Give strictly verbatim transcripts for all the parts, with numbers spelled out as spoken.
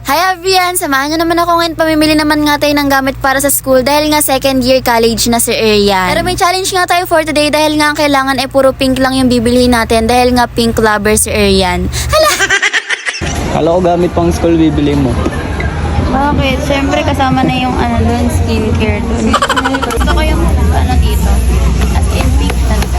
Hi everyone! Samahan nyo naman ako ngayon. Pamimili naman nga tayo ng gamit para sa school dahil nga second year college na si Arian. Pero may challenge nga tayo for today dahil nga ang kailangan ay puro pink lang yung bibilihin natin dahil nga pink lover si Arian. Hala! Kala ko gamit pang school bibili mo. Bakit? Siyempre kasama na yung ano doon, skincare doon. Gusto ko yung ano dito. As in pink talaga.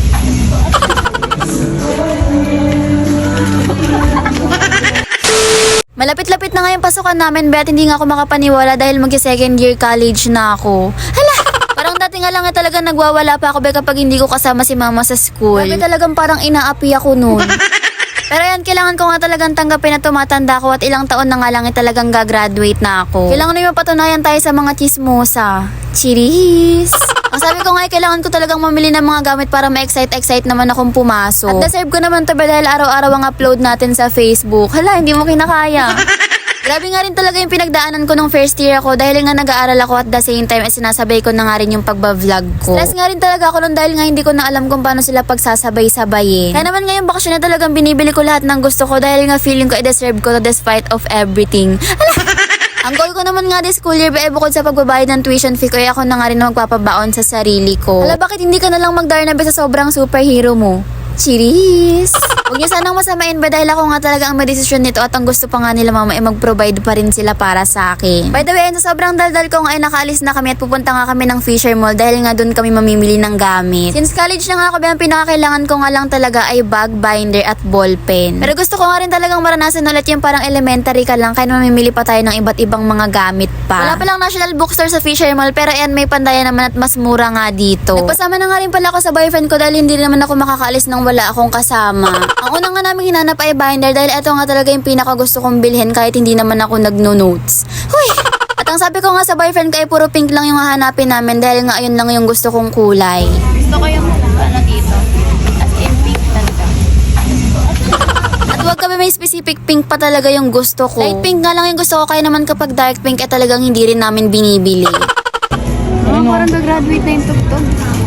Malapit-lapit na nga yung pasukan namin, bet hindi nga ako makapaniwala dahil magsi-second year college na ako. Hala! Parang dati nga lang eh talaga nagwawala pa ako be kapag hindi ko kasama si mama sa school. Grabe talagang parang inaapi ako noon. Pero yan, kailangan ko nga talagang tanggapin na tumatanda ako at ilang taon na nga lang eh talagang gagraduate na ako. Kailangan na yung patunayan tayo sa mga chismosa. Chiris! Ang sabi ko nga, eh, kailangan ko talagang mamili ng mga gamit para ma-excite-excite naman akong pumasok. At deserve ko naman to ba dahil araw-araw ang upload natin sa Facebook. Hala, hindi mo kinakaya. Grabe nga rin talaga yung pinagdaanan ko nung first year ako dahil nga nag-aaral ako at the same time ay sinasabay ko na nga rin yung pagba-vlog ko. Stress nga rin talaga ako nun dahil nga hindi ko na alam kung paano sila pagsasabay-sabayin. Kaya naman ngayong bakasyon na talagang binibili ko lahat ng gusto ko dahil nga feeling ko i-deserve ko to despite of everything. Ang goal ko naman nga this school year ba eh, bukod sa pagbabayad ng tuition fee ko ay ako na nga rin magpapabaon sa sarili ko. Hala, bakit hindi ka na lang magdarnabe sa sobrang superhero mo? Chiris! Huwag niyo sanang masamain ba dahil ako nga talaga ang madesisyon nito at ang gusto pa nga nila mama ay mag-provide pa rin sila para sa akin. By the way, sa sobrang daldal ko nga ay nakaalis na kami at pupunta nga kami ng Fisher Mall dahil nga doon kami mamimili ng gamit. Since college na nga ako, ang pinakakailangan ko nga lang talaga ay bag, binder at ballpen. Pero gusto ko nga rin talagang maranasan ulit yung parang elementary ka lang kaya mamimili pa tayo ng iba't ibang mga gamit pa. Wala palang National Bookstore sa Fisher Mall pero ayan may pandaya naman at mas mura nga dito. Nagpasama na nga rin pala ako sa boyfriend ko dahil hindi naman ako makakaalis nang wala akong kasama. Ang una nga namin hinanap ay binder dahil ito nga talaga yung pinaka gusto kong bilhin kahit hindi naman ako nagno-notes. Huy! At ang sabi ko nga sa boyfriend ko ay puro pink lang yung hahanapin namin dahil nga ayun lang yung gusto kong kulay. Gusto ko yung ano dito. As in pink talaga. At huwag kami may specific pink pa talaga yung gusto ko. Light pink nga lang yung gusto ko kaya naman kapag dark pink ay talagang hindi rin namin binibili. Oh, parang gagraduate na yung tugtog.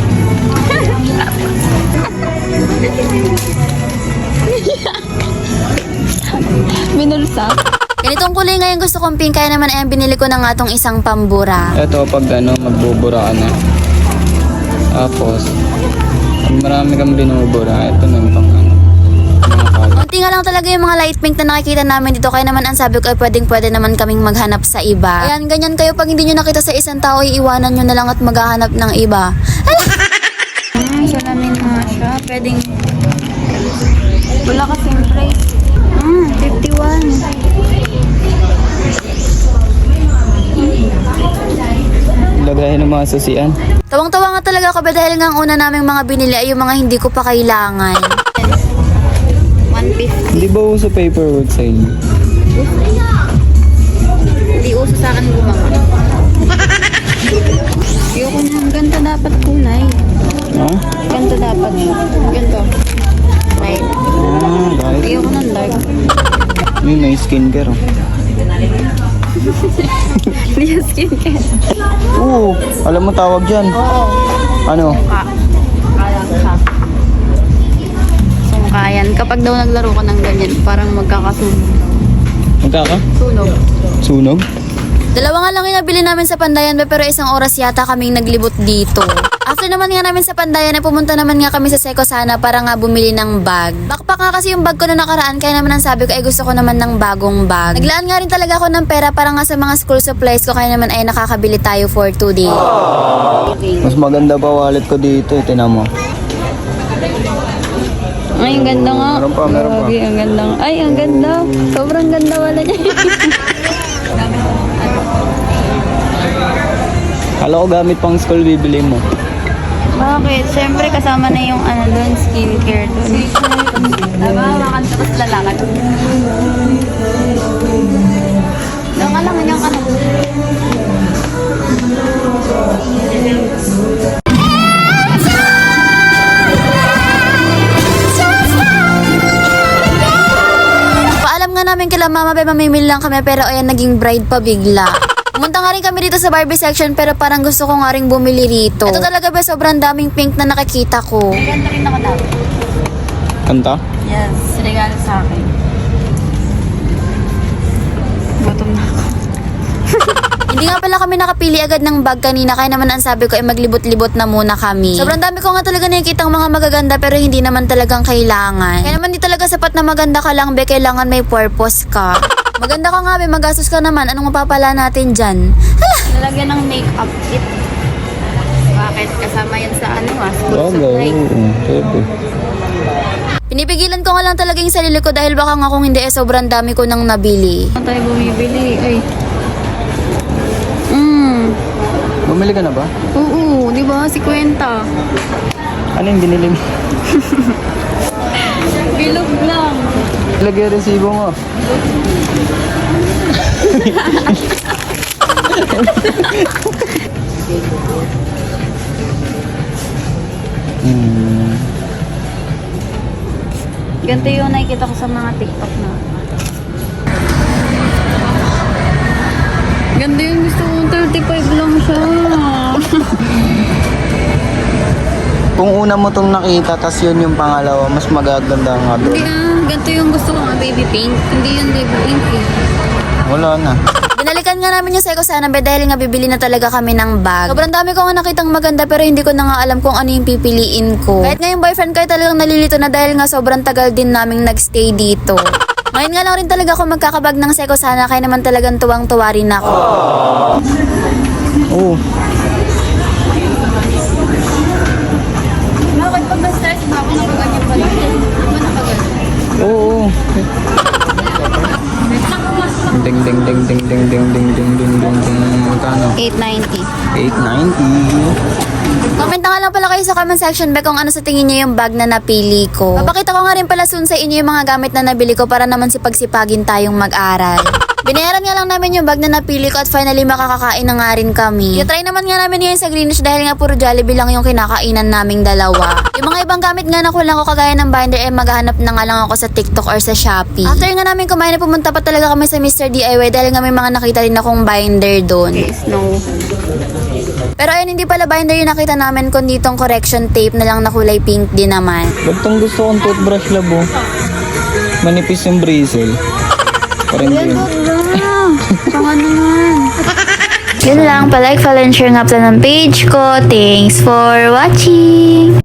Binulsa. Ganitong kulay nga yung gusto kong pink kaya naman ay binili ko na nga tong isang pambura. Ito pag ano, magbubura ka na. Tapos, pag marami kang binubura, ito na yung pang ano. Mga color. Unti nga lang talaga yung mga light pink na nakikita namin dito kaya naman ang sabi ko ay pwedeng pwede naman kaming maghanap sa iba. Ayan, ganyan kayo pag hindi nyo nakita sa isang tao iiwanan nyo na lang at maghahanap ng iba. Hmm, salamin nga siya. Pwedeng... Wala kasing price. Hmm, fifty-one. Lagayin ng mga susian. Tawang-tawa nga talaga ako ba dahil nga ang una naming mga binili ay yung mga hindi ko pa kailangan. one fifty. Hindi ba uso paperwork sa inyo? Hindi uso sa akin gumawa. Ayoko na. Ganito dapat kulay. Ha? Ganito dapat. Ganito. Light. Ah, dahil. Ayoko ng dark. May may skincare oh. Hindi yung skincare. Oo, alam mo tawag dyan. Oo. Ano? Sungka. Alam ka. Sungkayan. Kapag daw naglaro ka ng ganyan, parang magkakasunog. Magkaka? Sunog. Sunog? Dalawa nga lang yung nabili namin sa Pandayan ba, pero isang oras yata kaming naglibot dito. After naman nga namin sa Pandayan ay pumunta naman nga kami sa Seco Sana para nga bumili ng bag. Backpack nga kasi yung bag ko na nakaraan kaya naman ang sabi ko ay gusto ko naman ng bagong bag. Naglaan nga rin talaga ako ng pera para nga sa mga school supplies ko kaya naman ay nakakabili tayo for two days. Mas maganda pa wallet ko dito, eh, tinan mo. Ay, ang ganda nga. Meron pa, meron pa. Grabe, ang ganda nga. Ay, ang ganda. Sobrang ganda wala niya. Kala ko gamit pang school bibili mo. Bakit? Siyempre kasama na yung ano doon, skincare doon. Diba? Makanta ko sa lalakad. Doon ka lang, hanyang ka na. Paalam nga namin kila mama ba mamimili lang kami pero ayan naging bride pa bigla. Pumunta nga rin kami dito sa Barbie section pero parang gusto ko nga rin bumili rito. Ito talaga ba sobrang daming pink na nakikita ko. Ganda rin ako dati. Kanta? Yes, regalo sa akin. Buto Hindi nga pala kami nakapili agad ng bag kanina, kaya naman ang sabi ko ay maglibot-libot na muna kami. Sobrang dami ko nga talaga nakikitang mga magaganda pero hindi naman talagang kailangan. Kaya naman di talaga sapat na maganda ka lang, be, kailangan may purpose ka. Maganda ka nga, be, magastos ka naman, anong mapapala natin dyan? Hala! Nalagyan ng makeup kit. Bakit? Kasama yan sa ano ah, school Bagay, supply. oo. Pwede. Pinipigilan ko nga lang talaga yung sarili ko dahil baka nga kung hindi eh sobrang dami ko nang nabili. Ano tayo bumibili? Ay. Mm. Bumili ka na ba? Oo, di ba? Si Kwenta. Ano yung binili mo? Bilog lang. Lagay resibo mo. hmm. Ganito yung nakikita ko sa mga TikTok na. Ganda yung gusto kong thirty-five lang siya. Kung una mo tong nakita, tas yun yung pangalawa, mas magaganda nga Hindi doon. ah, ganito yung gusto ko nga, baby pink. Hindi yung baby pink eh. Wala na. Binalikan nga namin yung Seiko Sana be dahil nga bibili na talaga kami ng bag. Sobrang dami ko nga nakitang maganda pero hindi ko na nga alam kung ano yung pipiliin ko. Kahit nga yung boyfriend ko ay talagang nalilito na dahil nga sobrang tagal din naming nagstay dito. Ngayon nga lang rin talaga ako magkakabag ng Seiko Sana kaya naman talagang tuwang-tuwa rin ako. Oo. Bakit pag na-stress ba ako nakaganyan pala? Di ba nakaganyan? Oo. Ding ding ding ding ding ding ding ding ding ding ding. Magkano? eight ninety. eight ninety. Comment na nga lang pala kayo sa comment section be kung ano sa tingin niyo yung bag na napili ko. Papakita ko nga rin pala soon sa inyo yung mga gamit na nabili ko para naman sipagsipagin tayong mag-aral. Binayaran nga lang namin yung bag na napili ko at finally makakakain na nga rin kami. I-try naman nga namin yun sa Greenish dahil nga puro Jollibee lang yung kinakainan naming dalawa. Yung mga ibang gamit nga na kulang ko kagaya ng binder eh maghanap na nga lang ako sa TikTok or sa Shopee. After nga namin kumain na pumunta pa talaga kami sa Mister D I Y dahil nga may mga nakita rin akong binder doon. Okay, snow. Pero ayun, hindi pala binder yung nakita namin kundi itong correction tape na lang na kulay pink din naman. Ba't tong gusto kong toothbrush labo? Manipis yung bristle. Parang Yan, yun. wala. Pang ano naman. Yun lang, palike, follow, and share nga pala ng page ko. Thanks for watching!